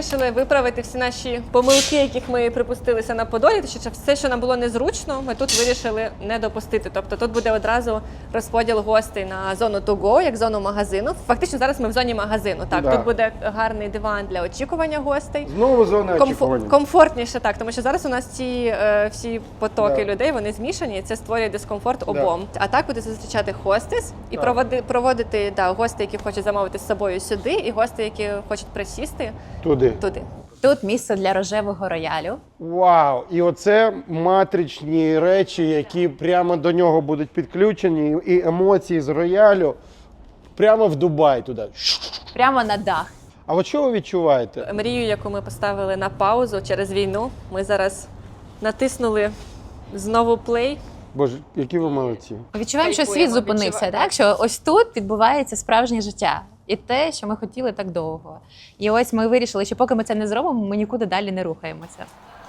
вирішили виправити всі наші помилки, яких ми припустилися на Подолі. Тому що все, що нам було незручно, ми тут вирішили не допустити. Тобто тут буде одразу розподіл гостей на зону to go, як зону магазину. Фактично зараз ми в зоні магазину. Так, Да. тут буде гарний диван для очікування гостей. Знову зона очікування. Комфортніше, так, тому що зараз у нас ці всі потоки людей, вони змішані, і це створює дискомфорт обом. А так буде зустрічати хостес і проводити гостей, які хочуть замовити з собою сюди, і гостей, які хочуть присісти Туди. Тут місце для рожевого роялю. Вау! І оце матричні речі, які прямо до нього будуть підключені, і емоції з роялю прямо в Дубай туди. Прямо на дах. А от що ви відчуваєте? Мрію, яку ми поставили на паузу через війну, ми зараз натиснули знову плей. Боже, які ви молодці. Відчуваємо, що світ Кайфуємо, зупинився, так? Що ось тут відбувається справжнє життя. І те, що ми хотіли так довго. І ось ми вирішили, що поки ми це не зробимо, ми нікуди далі не рухаємося.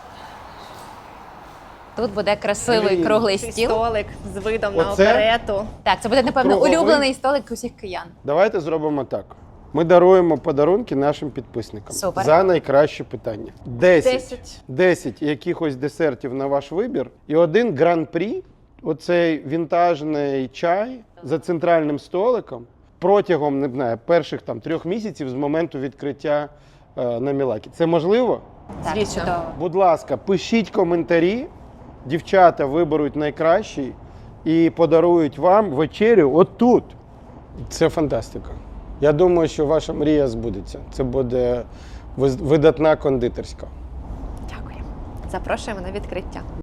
Тут буде красивий Блін. круглий Цей стіл. столик з видом на Оце? оперету. Так, це буде, напевно, Круговий? улюблений столик усіх киян. Давайте зробимо так. Ми даруємо подарунки нашим підписникам. Супер. За найкраще питання. 10. 10 якихось десертів на ваш вибір. І один гран-прі, оцей вінтажний чай за центральним столиком протягом, не знаю, перших 3 місяців з моменту відкриття на Мілакі. Це можливо? Так, Звісно. чудово. Будь ласка, пишіть коментарі. Дівчата виберуть найкращий і подарують вам вечерю отут. Це фантастика. Я думаю, що ваша мрія збудеться. Це буде видатна кондитерська. Дякую. Запрошуємо на відкриття.